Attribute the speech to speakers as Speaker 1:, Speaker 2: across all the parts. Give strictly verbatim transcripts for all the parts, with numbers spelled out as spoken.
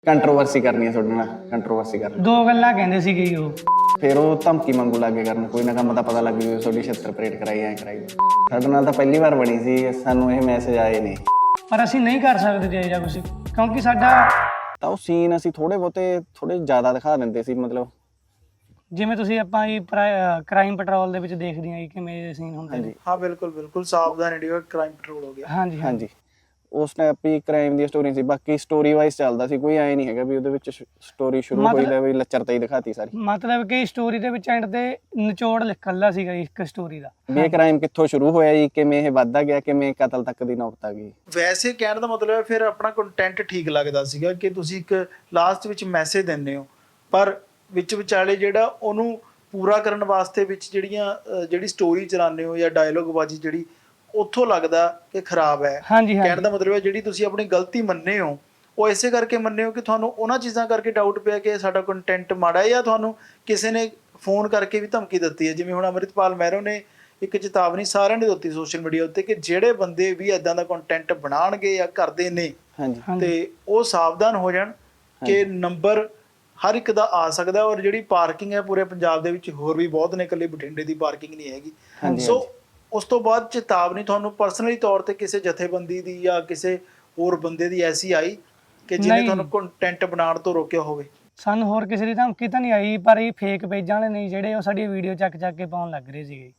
Speaker 1: Controversy ਕਰਨੀ ਹੈ ਤੁਹਾਡੇ ਨਾਲ ਕੰਟਰੋਵਰਸੀ ਕਰਨੀ
Speaker 2: ਦੋ ਗੱਲਾਂ ਕਹਿੰਦੇ ਸੀਗੇ ਜੀ ਉਹ।
Speaker 1: ਫਿਰ ਉਹ ਧਮਕੀ ਮੰਗੂ ਲੱਗੇ ਕਰਨ ਕੋਈ ਨਾ ਕੰਮ ਦਾ ਪਤਾ ਲੱਗ ਜੂ ਤੁਹਾਡੀ ਛਿੱਤਰ ਪਰੇਡ ਕਰਾਈ ਐ ਕਰਾਈ ਸਾਡੇ ਨਾਲ ਤਾਂ ਪਹਿਲੀ ਵਾਰ ਬਣੀ ਸੀ ਸਾਨੂੰ ਇਹ ਮੈਸੇਜ ਆਏ ਨੇ
Speaker 2: ਪਰ ਅਸੀਂ ਨਹੀਂ ਕਰ ਸਕਦੇ ਜੇ ਜਾਂ ਕੁਝ ਕਿਉਂਕਿ ਸਾਡਾ
Speaker 1: ਤਾਂ ਉਹ ਸੀਨ ਅਸੀਂ ਥੋੜੇ ਬਹੁਤੇ ਥੋੜੇ ਜ਼ਿਆਦਾ ਦਿਖਾ ਦਿੰਦੇ ਸੀ ਮਤਲਬ
Speaker 2: ਜਿਵੇਂ ਤੁਸੀਂ ਆਪਾਂ ਇਹ ਕ੍ਰਾਈਮ ਪੈਟਰੋਲ ਦੇ ਵਿੱਚ ਦੇਖਦੇ ਹਾਂ ਜੀ ਕਿਵੇਂ ਦੇ ਸੀਨ ਹੁੰਦੇ ਨੇ।
Speaker 3: ਹਾਂ ਬਿਲਕੁਲ ਬਿਲਕੁਲ ਸਾਵਧਾਨ ਇੰਡੀਆ ਕ੍ਰਾਈਮ ਪੈਟਰੋਲ ਹੋ ਗਿਆ।
Speaker 2: ਹਾਂਜੀ
Speaker 1: ਹਾਂਜੀ ਉਸ ਟਾਈਪ ਹੀ ਕ੍ਰਾਈਮ ਦੀ ਸਟੋਰੀ ਸੀ ਬਾਕੀ ਸਟੋਰੀ ਵਾਈਜ਼ ਚੱਲਦਾ ਸੀ ਕੋਈ ਐ ਨਹੀਂ ਹੈਗਾ ਵੀ ਉਹਦੇ ਵਿੱਚ ਸਟੋਰੀ ਸ਼ੁਰੂ ਹੋਈ ਲੈ ਵੀ ਲੱਚਰਤਾ ਹੀ ਦਿਖਾਤੀ ਸਾਰੀ
Speaker 2: ਮਤਲਬ ਕਿ ਸਟੋਰੀ ਦੇ ਵਿੱਚ ਐਂਡ ਤੇ ਨਿਚੋੜ ਨਿਕਲਦਾ ਸੀਗਾ ਇੱਕ ਸਟੋਰੀ ਦਾ
Speaker 1: ਵੀ ਇਹ ਕ੍ਰਾਈਮ ਕਿੱਥੋਂ ਸ਼ੁਰੂ ਹੋਇਆ ਜੀ ਕਿਵੇਂ ਇਹ ਵੱਧਦਾ ਗਿਆ ਕਿਵੇਂ ਕਤਲ ਤੱਕ ਦੀ ਨੌਬਤ ਆ ਗਈ।
Speaker 3: ਵੈਸੇ ਕਹਿਣ ਦਾ ਮਤਲਬ ਹੈ ਫਿਰ ਆਪਣਾ ਕੰਟੈਂਟ ਠੀਕ ਲੱਗਦਾ ਸੀਗਾ ਕਿ ਤੁਸੀਂ ਇੱਕ ਲਾਸਟ ਵਿੱਚ ਮੈਸੇਜ ਦਿੰਦੇ ਹੋ ਪਰ ਵਿੱਚ ਵਿਚਾਲੇ ਜਿਹੜਾ ਉਹਨੂੰ ਪੂਰਾ ਕਰਨ ਵਾਸਤੇ ਵਿੱਚ ਜਿਹੜੀਆਂ ਜਿਹੜੀ ਸਟੋਰੀ ਚਲਾਉਂਦੇ ਹੋ ਜਾਂ ਡਾਇਲੋਗ ਬਾਜੀ ਜਿਹੜੀ ਉੱਥੋਂ ਲੱਗਦਾ ਕਿ ਖਰਾਬ ਹੈ।
Speaker 2: ਹਾਂਜੀ
Speaker 3: ਕਹਿਣ ਦਾ ਮਤਲਬ ਹੈ ਜਿਹੜੀ ਤੁਸੀਂ ਆਪਣੀ ਗਲਤੀ ਮੰਨੇ ਹੋ ਉਹ ਇਸੇ ਕਰਕੇ ਮੰਨੇ ਹੋ ਕਿ ਤੁਹਾਨੂੰ ਉਹਨਾਂ ਚੀਜ਼ਾਂ ਕਰਕੇ ਡਾਊਟ ਪਿਆ ਕਿ ਸਾਡਾ ਕੰਟੈਂਟ ਮਾੜਾ ਹੈ ਜਾਂ ਤੁਹਾਨੂੰ ਕਿਸੇ ਨੇ ਫੋਨ ਕਰਕੇ ਵੀ ਧਮਕੀ ਦਿੱਤੀ ਹੈ। ਜਿਵੇਂ ਹੁਣ ਅੰਮ੍ਰਿਤਪਾਲ ਮਹਿਰੋ ਨੇ ਇੱਕ ਚੇਤਾਵਨੀ ਸਾਰਿਆਂ ਨੇ ਦਿੱਤੀ ਸੋਸ਼ਲ ਮੀਡੀਆ ਉੱਤੇ ਕਿ ਜਿਹੜੇ ਬੰਦੇ ਵੀ ਇਦਾਂ ਦਾ ਕੰਟੈਂਟ ਬਣਾਉਣਗੇ ਜਾਂ ਕਰਦੇ ਨੇ ਤੇ ਉਹ ਸਾਵਧਾਨ ਹੋ ਜਾਣ ਕਿ ਨੰਬਰ ਹਰ ਇੱਕ ਦਾ ਆ ਸਕਦਾ ਔਰ ਜਿਹੜੀ ਪਾਰਕਿੰਗ ਹੈ ਪੂਰੇ ਪੰਜਾਬ ਦੇ ਵਿੱਚ ਹੋਰ ਵੀ ਬਹੁਤ ਨੇ ਇਕੱਲੇ ਬਠਿੰਡੇ ਦੀ ਪਾਰਕਿੰਗ ਨਹੀਂ ਹੈਗੀ। ਸੋ ਉਸ ਤੋਂ ਬਾਅਦ ਚੇਤਾਵਨੀ ਤੁਹਾਨੂੰ ਪਰਸਨਲੀ ਤੌਰ ਤੇ ਕਿਸੇ ਜਥੇਬੰਦੀ ਦੀ ਜਾਂ ਕਿਸੇ ਹੋਰ ਬੰਦੇ ਦੀ ਐਸੀ ਆਈ ਕਿ ਜਿਹਨੇ ਤੁਹਾਨੂੰ ਕੰਟੈਂਟ ਬਣਾਉਣ ਤੋਂ ਰੋਕਿਆ ਹੋਵੇ?
Speaker 2: ਸਾਨੂੰ ਹੋਰ ਕਿਸੇ ਦੀ ਧਮਕੀ ਤਾਂ ਨਹੀਂ ਆਈ ਪਰ ਇਹ ਫੇਕ ਪੇਜਾਂ ਵਾਲੇ ਨਹੀਂ ਜਿਹੜੇ ਉਹ ਸਾਡੀ ਵੀਡੀਓ ਚੱਕ ਚੱਕ ਕੇ ਪਾਉਣ ਲੱਗ ਰਹੇ ਸੀਗੇ।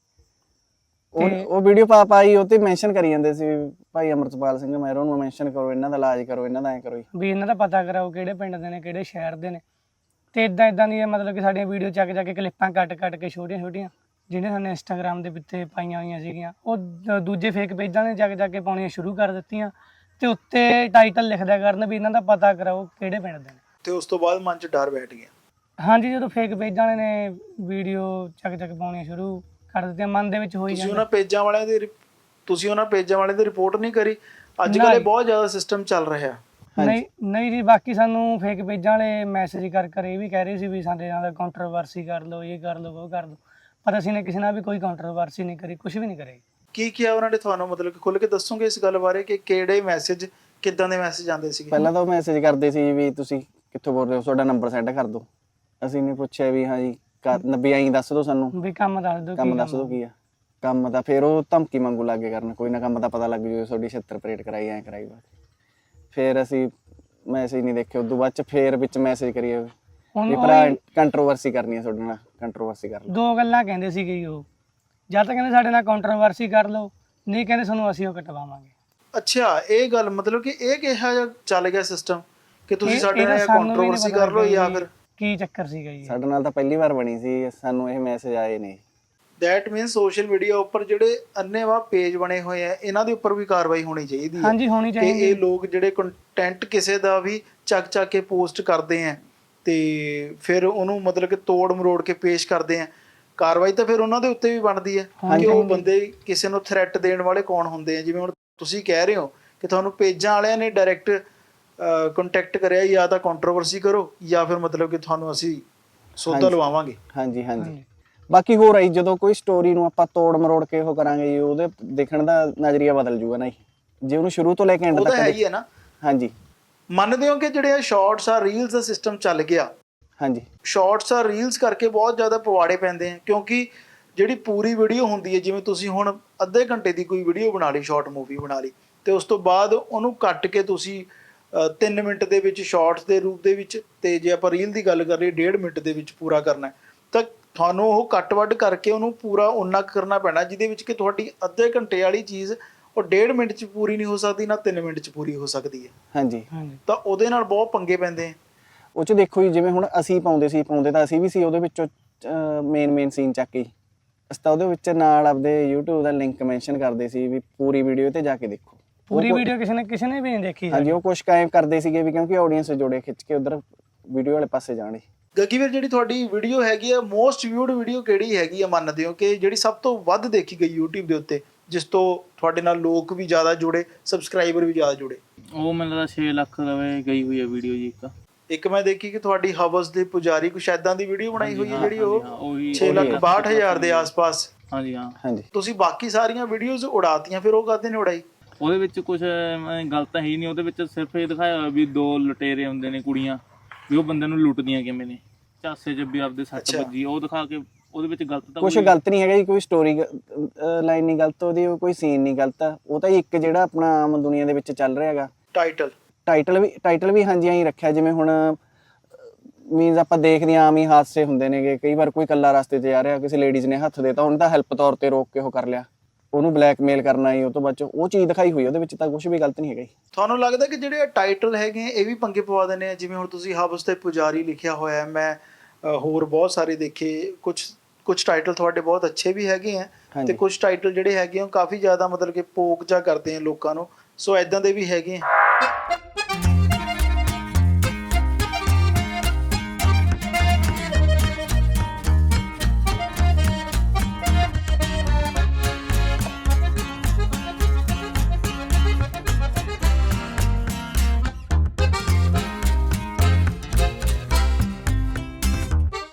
Speaker 1: ਉਹ ਉਹ ਵੀਡੀਓ ਪਾ ਪਾਈ ਉਹ ਤੇ ਮੈਂਸ਼ਨ ਕਰੀ ਜਾਂਦੇ ਸੀ ਭਾਈ ਅਮਰਤਪਾਲ ਸਿੰਘ ਮਹਿਰੋ ਨੂੰ ਮੈਂਸ਼ਨ ਕਰੋ ਇਹਨਾਂ ਦਾ ਇਲਾਜ ਕਰੋ ਇਹਨਾਂ ਦਾ ਐ ਕਰੋ
Speaker 2: ਵੀ ਇਹਨਾਂ ਦਾ ਪਤਾ ਕਰਾਓ ਕਿਹੜੇ ਪਿੰਡ ਦੇ ਨੇ ਕਿਹੜੇ ਸ਼ਹਿਰ ਦੇ ਨੇ ਤੇ ਇਦਾਂ ਇਦਾਂ ਦੀ ਮਤਲਬ ਕਿ ਸਾਡੀਆਂ ਵੀਡੀਓ ਚੱਕ ਚੱਕ ਕੇ ਕਲਿੱਪਾਂ ਕੱਟ ਕੱਟ ਕੇ ਛੋਟੀਆਂ ਛੋਟੀਆਂ ਜਿਹਨੇ ਸਾਨੂੰ ਇੰਸਟਾਗ੍ਰਾਮ ਦੇ ਉੱਤੇ ਪਾਈਆਂ ਹੋਈਆਂ ਸੀਗੀਆਂ ਉਹ ਦੂਜੇ ਫੇਕ ਪੇਜਾਂ ਨੇ ਚੱਕ ਚੱਕ ਕੇ ਪਾਉਣੀਆਂ ਸ਼ੁਰੂ ਕਰ ਦਿੱਤੀਆਂ ਤੇ ਉੱਤੇ ਟਾਈਟਲ ਲਿਖਦਿਆ ਕਰਨ ਵੀ ਇਹਨਾਂ ਦਾ ਪਤਾ ਕਰਾਓ ਕਿਹੜੇ ਪਿੰਡ ਦੇ ਨੇ।
Speaker 3: ਤੇ ਉਸ ਤੋਂ ਬਾਅਦ ਮਨ 'ਚ ਡਰ ਬੈਠ ਗਿਆ।
Speaker 2: ਹਾਂਜੀ ਜਦੋਂ ਫੇਕ ਪੇਜਾਂ ਵਾਲੇ ਨੇ ਵੀਡੀਓ ਚੱਕ ਚੱਕ ਪਾਉਣੀਆਂ ਸ਼ੁਰੂ ਕਰ ਦਿੱਤੀਆਂ ਮਨ ਦੇ ਵਿੱਚ ਹੋਈ
Speaker 3: ਤੁਸੀਂ ਉਹਨਾਂ ਪੇਜਾਂ ਵਾਲਿਆਂ ਦੀ ਤੁਸੀਂ ਉਹਨਾਂ ਪੇਜਾਂ ਵਾਲਿਆਂ ਦੀ ਰਿਪੋਰਟ ਨਹੀਂ ਕਰੀ? ਅੱਜ ਕੱਲ੍ਹ ਇਹ ਬਹੁਤ ਜ਼ਿਆਦਾ ਸਿਸਟਮ ਚੱਲ ਰਿਹਾ।
Speaker 2: ਨਹੀਂ ਨਹੀਂ ਜੀ ਬਾਕੀ ਸਾਨੂੰ ਫੇਕ ਪੇਜਾਂ ਵਾਲੇ ਮੈਸੇਜ ਕਰ ਕਰ ਇਹ ਵੀ ਕਹਿ ਰਹੇ ਸੀ ਵੀ ਸਾਡੇ ਨਾਲ ਕੰਟਰੋਵਰਸੀ ਕਰ ਲਓ ਇਹ ਕਰ ਲਓ ਉਹ ਕਰ ਲਓ ਪਰ ਅਸੀਂ ਨੇ ਕਿਸੇ ਨਾਲ ਵੀ ਕੋਈ ਕੰਟਰੋਵਰਸੀ ਨਹੀਂ ਕਰੀ ਕੁਝ ਵੀ ਨਹੀਂ ਕਰੇ। ਕੀ
Speaker 3: ਕਿਹਾ ਉਹਨਾਂ ਨੇ ਤੁਹਾਨੂੰ ਮਤਲਬ ਕਿ ਖੁੱਲ੍ਹ ਕੇ ਦੱਸੋਗੇ ਇਸ ਗੱਲ ਬਾਰੇ ਕਿ ਕਿਹੜੇ ਮੈਸੇਜ ਕਿੱਦਾਂ ਦੇ ਮੈਸੇਜ ਆਉਂਦੇ ਸੀਗੇ?
Speaker 1: ਪਹਿਲਾਂ ਤਾਂ ਉਹ ਮੈਸੇਜ ਕਰਦੇ ਸੀ ਵੀ ਤੁਸੀਂ ਕਿੱਥੋਂ ਬੋਲ ਰਹੇ ਹੋ ਤੁਹਾਡਾ ਨੰਬਰ ਸੈਂਡ ਕਰ ਦਿਓ। ਅਸੀਂ ਨੇ ਪੁੱਛਿਆ ਵੀ ਹਾਂ ਜੀ ਨੱਬੀ ਆਈ ਦੱਸ ਦਿਓ ਸਾਨੂੰ
Speaker 2: ਵੀ ਕੰਮ ਦੱਸ ਦਿਓ
Speaker 1: ਕੰਮ ਦੱਸ ਦਿਓ ਕੀ ਆ ਕੰਮ ਤਾਂ ਫਿਰ ਉਹ ਧਮਕੀ ਮੰਗੂ ਲੱਗੇ ਕਰਨ ਕੋਈ ਨਾ ਕੰਮ ਦਾ ਪਤਾ ਲੱਗ ਜੂ ਤੁਹਾਡੀ ਛਿੱਤਰ ਪਰੇਡ ਕਰਾਈ ਐ ਕਰਾਈ ਫਿਰ ਅਸੀਂ ਮੈਸੇਜ ਨਹੀਂ ਦੇਖੇ ਉਦੋਂ ਬਾਅਦ ਚ ਫਿਰ ਵਿੱਚ ਮੈਸੇਜ ਕਰੀਏ ਵੀ ਭਰਾ ਕੰਟਰੋਵਰਸੀ ਕਰਨੀ ਹੈ ਤੁਹਾਡੇ ਨਾਲ ਕੰਟਰੋਵਰਸੀ ਕਰ ਲਓ।
Speaker 2: ਦੋ ਗੱਲਾਂ ਕਹਿੰਦੇ ਸੀਗੇ ਜੀ ਉਹ ਜਾਂ ਤਾਂ ਕਹਿੰਦੇ ਸਾਡੇ ਨਾਲ ਕੰਟਰੋਵਰਸੀ ਕਰ ਲਓ ਨਹੀਂ ਕਹਿੰਦੇ ਸਾਨੂੰ ਅਸੀਂ ਉਹ ਕਟਵਾਵਾਂਗੇ।
Speaker 3: ਅੱਛਾ ਇਹ ਗੱਲ ਮਤਲਬ ਕਿ ਇਹ ਕਿਹਾ ਜਾਂ ਚੱਲ ਗਿਆ ਸਿਸਟਮ ਕਿ ਤੁਸੀਂ ਸਾਡੇ ਨਾਲ ਕੰਟਰੋਵਰਸੀ ਕਰ ਲਓ ਜਾਂ ਫਿਰ
Speaker 2: ਕੀ ਚੱਕਰ ਸੀਗਾ ਜੀ?
Speaker 1: ਸਾਡੇ ਨਾਲ ਤਾਂ ਪਹਿਲੀ ਵਾਰ ਬਣੀ ਸੀ ਸਾਨੂੰ ਇਹ ਮੈਸੇਜ ਆਏ ਨੇ।
Speaker 3: ਦੈਟ ਮੀਨਸ ਸੋਸ਼ਲ ਮੀਡੀਆ ਉੱਪਰ ਜਿਹੜੇ ਅੰਨੇਵਾਹ ਪੇਜ ਬਣੇ ਹੋਏ ਆ ਇਹਨਾਂ ਦੇ ਉੱਪਰ ਵੀ ਕਾਰਵਾਈ ਹੋਣੀ ਚਾਹੀਦੀ ਹੈ।
Speaker 2: ਹਾਂਜੀ ਹੋਣੀ ਚਾਹੀਦੀ
Speaker 3: ਕਿ ਇਹ ਲੋਕ ਜਿਹੜੇ ਕੰਟੈਂਟ ਕਿਸੇ ਦਾ ਵੀ ਚੱਕ ਚੱਕ ਕੇ ਪੋਸਟ ਕਰਦੇ ਆ ਤੇ ਫਿਰ ਉਹਨੂੰ ਮਤਲਬ ਕਿ ਤੋੜ ਮਰੋੜ ਕੇ ਪੇਸ਼ ਕਰਦੇ ਆ ਕਾਰਵਾਈ ਤਾਂ ਫਿਰ ਉਹਨਾਂ ਦੇ ਉੱਤੇ ਵੀ ਬਣਦੀ ਹੈ ਕਿ ਉਹ ਬੰਦੇ ਕਿਸੇ ਨੂੰ ਥ੍ਰੈਟ ਦੇਣ ਵਾਲੇ ਕੌਣ ਹੁੰਦੇ ਆ। ਜਿਵੇਂ ਹੁਣ ਤੁਸੀਂ ਕਹਿ ਰਹੇ ਹੋ ਕਿ ਤੁਹਾਨੂੰ ਪੇਜਾਂ ਵਾਲਿਆਂ ਨੇ ਡਾਇਰੈਕਟ ਕੰਟੈਕਟ ਕਰਿਆ ਜਾਂ ਤਾਂ ਕੰਟਰੋਵਰਸੀ ਕਰੋ ਜਾਂ ਫਿਰ ਮਤਲਬ ਕਿ ਤੁਹਾਨੂੰ ਅਸੀਂ ਸੌਦਾ ਲਵਾਵਾਂਗੇ।
Speaker 1: ਹਾਂਜੀ ਹਾਂਜੀ ਬਾਕੀ ਹੋਰ ਆਈ ਜਦੋਂ ਕੋਈ ਸਟੋਰੀ ਨੂੰ ਆਪਾਂ ਤੋੜ ਮਰੋੜ ਕੇ ਉਹ ਕਰਾਂਗੇ ਜੀ ਉਹਦੇ ਦੇਖਣ ਦਾ ਨਜ਼ਰੀਆ ਬਦਲ ਜੂਗਾ ਨਾ ਜੀ ਜੇ ਉਹਨੂੰ ਸ਼ੁਰੂ ਤੋਂ ਲੈ ਕੇ ਐਂਡ ਤੱਕ
Speaker 3: ਹੈ ਹੀ ਹੈ ਨਾ।
Speaker 1: ਹਾਂਜੀ
Speaker 3: ਮੰਨਦੇ ਹੋ ਕਿ ਜਿਹੜੇ ਸ਼ਾਰਟਸ ਆ ਰੀਲਸ ਦਾ ਸਿਸਟਮ ਚੱਲ ਗਿਆ?
Speaker 1: ਹਾਂਜੀ
Speaker 3: ਸ਼ਾਰਟਸ ਆ ਰੀਲਸ ਕਰਕੇ ਬਹੁਤ ਜ਼ਿਆਦਾ ਪਵਾੜੇ ਪੈਂਦੇ ਆ ਕਿਉਂਕਿ ਜਿਹੜੀ ਪੂਰੀ ਵੀਡੀਓ ਹੁੰਦੀ ਹੈ ਜਿਵੇਂ ਤੁਸੀਂ ਹੁਣ ਅੱਧੇ ਘੰਟੇ ਦੀ ਕੋਈ ਵੀਡੀਓ ਬਣਾ ਲਈ ਸ਼ਾਰਟ ਮੂਵੀ ਬਣਾ ਲਈ ਤੇ ਉਸ ਤੋਂ ਬਾਅਦ ਉਹਨੂੰ ਕੱਟ ਕੇ ਤੁਸੀਂ ਤਿੰਨ ਮਿੰਟ ਦੇ ਵਿੱਚ ਸ਼ਾਰਟਸ ਦੇ ਰੂਪ ਦੇ ਵਿੱਚ ਤੇ ਜੇ ਆਪਾਂ ਰੀਲ ਦੀ ਗੱਲ ਕਰ ਲਈਏ ਡੇਢ ਮਿੰਟ ਦੇ ਵਿੱਚ ਪੂਰਾ ਕਰਨਾ ਤਾਂ ਤੁਹਾਨੂੰ ਉਹ ਕੱਟ ਵੱਢ ਕਰਕੇ ਉਹਨੂੰ ਪੂਰਾ ਉਨਾ ਕਰਨਾ ਪੈਣਾ ਜਿਹਦੇ ਵਿੱਚ ਕਿ ਤੁਹਾਡੀ ਅੱਧੇ ਘੰਟੇ ਵਾਲੀ ਚੀਜ਼ ਉਹ ਡੇਢ ਮਿੰਟ 'ਚ ਪੂਰੀ ਨਹੀਂ ਹੋ ਸਕਦੀ ਨਾ ਤਿੰਨ ਮਿੰਟ 'ਚ ਪੂਰੀ ਹੋ ਸਕਦੀ ਹੈ। ਹਾਂਜੀ ਤਾਂ ਉਹਦੇ ਨਾਲ ਬਹੁਤ ਪੰਗੇ ਪੈਂਦੇ ਆ।
Speaker 1: ਉਹ 'ਚ ਦੇਖੋ ਜੀ ਜਿਵੇਂ ਹੁਣ ਅਸੀਂ ਪਾਉਂਦੇ ਸੀ ਪਾਉਂਦੇ ਤਾਂ ਅਸੀਂ ਵੀ ਸੀ ਉਹਦੇ ਵਿੱਚੋਂ ਮੇਨ ਮੇਨ ਸੀਨ ਚੱਕ ਕੇ ਅਸੀਂ ਤਾਂ ਉਹਦੇ ਵਿੱਚ ਨਾਲ ਆਪਦੇ YouTube ਦਾ ਲਿੰਕ ਮੈਂਸ਼ਨ ਕਰਦੇ ਸੀ ਵੀ ਪੂਰੀ ਵੀਡੀਓ ਤੇ ਜਾ ਕੇ ਦੇਖੋ।
Speaker 2: ਪੂਰੀ ਵੀਡੀਓ ਕਿਸੇ ਨੇ ਕਿਸੇ ਨੇ ਵੀ ਨਹੀਂ ਦੇਖੀ।
Speaker 1: ਹਾਂਜੀ ਉਹ ਕੁਛ ਕਾਇਮ ਕਰਦੇ ਸੀਗੇ ਵੀ ਕਿਉਂਕਿ ਆਡੀਅנס ਜੋੜੇ ਖਿੱਚ ਕੇ ਉਧਰ ਵੀਡੀਓ ਵਾਲੇ ਪਾਸੇ ਜਾਣੇ।
Speaker 3: ਗੱਗੀ ਵੀਰ ਜਿਹੜੀ ਤੁਹਾਡੀ ਵੀਡੀਓ ਹੈਗੀ ਆ ਮੋਸਟ ਵਿਊਡ ਵੀਡੀਓ ਕਿਹੜੀ ਹੈਗੀ ਆ ਮੰਨਦੇ ਹੋ ਕਿ ਜਿਹੜੀ ਸਭ ਤੋਂ ਵੱਧ ਦੇਖੀ ਗਈ YouTube ਦੇ ਉੱਤੇ ਜਿਸ ਤੋਂ ਤੁਹਾਡੇ ਨਾਲ ਲੋਕ ਵੀ ਜ਼ਿਆਦਾ ਜੁੜੇ ਸਬਸਕ੍ਰਾਈਬਰ ਵੀ ਜ਼ਿਆਦਾ ਜੁੜੇ?
Speaker 4: ਉਹ ਮੈਨੂੰ ਲੱਗਦਾ ਛੇ ਲੱਖ ਰੁਪਏ ਗਈ ਹੋਈ ਹੈ ਵੀਡੀਓ ਜੀ। ਇੱਕ
Speaker 3: ਇੱਕ ਮੈਂ ਦੇਖੀ ਕਿ ਤੁਹਾਡੀ ਹਵਸ ਦੇ ਪੁਜਾਰੀ ਕੁਛ ਏਦਾਂ ਦੀ ਵੀਡੀਓ ਬਣਾਈ ਹੋਈ ਹੈ ਜਿਹੜੀ ਉਹ ਛੇ ਲੱਖ ਬਾਹਠ ਹਜ਼ਾਰ ਦੇ ਆਸ-ਪਾਸ।
Speaker 4: ਹਾਂਜੀ ਹਾਂ
Speaker 1: ਹਾਂਜੀ
Speaker 3: ਤੁਸੀਂ ਬਾਕੀ ਸਾਰੀਆਂ ਵੀਡੀਓਜ਼ ਉਡਾਤੀਆਂ ਫਿਰ ਉਹ ਕਾਹਦੇ ਨੇ ਉਡਾਈ?
Speaker 4: ਉਹਦੇ ਵਿੱਚ ਕੁਝ ਗਲਤ ਤਾਂ ਹੈ ਹੀ ਨਹੀਂ, ਉਹਦੇ ਵਿੱਚ ਸਿਰਫ ਇਹ ਦਿਖਾਇਆ ਹੋਇਆ ਵੀ ਦੋ ਲੁਟੇਰੇ ਹੁੰਦੇ ਨੇ ਕੁੜੀਆਂ, ਵੀ ਉਹ ਬੰਦੇ ਨੂੰ ਲੁੱਟਦੀਆਂ ਕਿਵੇਂ ਨੇ, ਝਾਸੇ 'ਚ ਵੀ ਆਪਦੇ ਸੱਟ
Speaker 3: ਅੱਛਾ।
Speaker 4: ਵੱਜੀ, ਉਹ ਦਿਖਾ ਕੇ ਉਹਦੇ ਵਿੱਚ ਗਲਤ ਤਾਂ
Speaker 1: ਕੁਝ
Speaker 4: ਕੋਈ-
Speaker 1: ਗਲਤ ਨਹੀਂ ਹੈਗਾ ਜੀ, ਕੋਈ ਸਟੋਰੀ ਲਾਈਨ ਨਹੀਂ ਗਲਤ ਉਹਦੀ, ਕੋਈ ਸੀਨ ਨਹੀਂ ਗਲਤ ਆ, ਉਹ ਤਾਂ ਜੀ ਇੱਕ ਜਿਹੜਾ ਆਪਣਾ ਆਮ ਦੁਨੀਆ ਦੇ ਵਿੱਚ ਚੱਲ ਰਿਹਾ ਹੈਗਾ
Speaker 3: ਟਾਈਟਲ
Speaker 1: ਟਾਈਟਲ ਵੀ ਟਾਈਟਲ ਵੀ ਹਾਂਜੀ ਐਂ ਰੱਖਿਆ, ਜਿਵੇਂ ਹੁਣ ਮੀਨਸ ਆਪਾਂ ਦੇਖਦੇ ਹਾਂ ਆਮ ਹੀ ਹਾਦਸੇ ਹੁੰਦੇ ਨੇਗੇ, ਕਈ ਵਾਰ ਕੋਈ ਇਕੱਲਾ ਰਸਤੇ 'ਚ ਜਾ ਰਿਹਾ, ਕਿਸੇ ਲੇਡੀਜ਼ ਨੇ ਹੱਥ ਦੇਤਾ, ਉਹਨੂੰ ਤਾਂ ਹੈਲਪ ਤੌਰ ਤੇ ਰੋਕ ਕੇ ਉਹ ਕਰ ਲਿਆ, ਉਹਨੂੰ ਬਲੈਕਮੇਲ ਕਰਨਾ ਹੀ, ਉਹ ਤੋਂ ਬਾਅਦ 'ਚ ਉਹ ਚੀਜ਼ ਦਿਖਾਈ ਹੋਈ, ਉਹਦੇ ਵਿੱਚ ਤਾਂ ਕੁਝ ਵੀ ਗਲਤ ਨਹੀਂ ਹੈਗਾ ਜੀ।
Speaker 3: ਤੁਹਾਨੂੰ ਲੱਗਦਾ ਕਿ ਜਿਹੜੇ ਟਾਈਟਲ ਹੈਗੇ ਆ, ਇਹ ਵੀ ਪੰਗੇ ਪਵਾ ਦਿੰਦੇ ਆ? ਜਿਵੇਂ ਹੁਣ ਤੁਸੀਂ ਹਵਸ ਤੇ ਪੁਜਾਰੀ ਲਿਖਿਆ ਹੋਇਆ ਹੈ, ਮੈਂ ਅ, ਹੋਰ ਬਹੁਤ ਸਾਰੇ ਦੇਖੇ, ਕੁਝ ਕੁਝ ਟਾਈਟਲ ਤੁਹਾਡੇ ਬਹੁਤ ਅੱਛੇ ਵੀ ਹੈਗੇ ਆ, ਤੇ
Speaker 1: ਹਾਂਜੀ।
Speaker 3: ਕੁਝ ਟਾਈਟਲ ਜਿਹੜੇ ਹੈਗੇ ਆ ਉਹ ਕਾਫੀ ਜ਼ਿਆਦਾ ਮਤਲਬ ਕਿ ਪੋਕ ਜਾ ਕਰਦੇ ਆ ਲੋਕਾਂ ਨੂੰ, ਸੋ ਐਦਾਂ ਦੇ ਵੀ ਹੈਗੇ ਆ।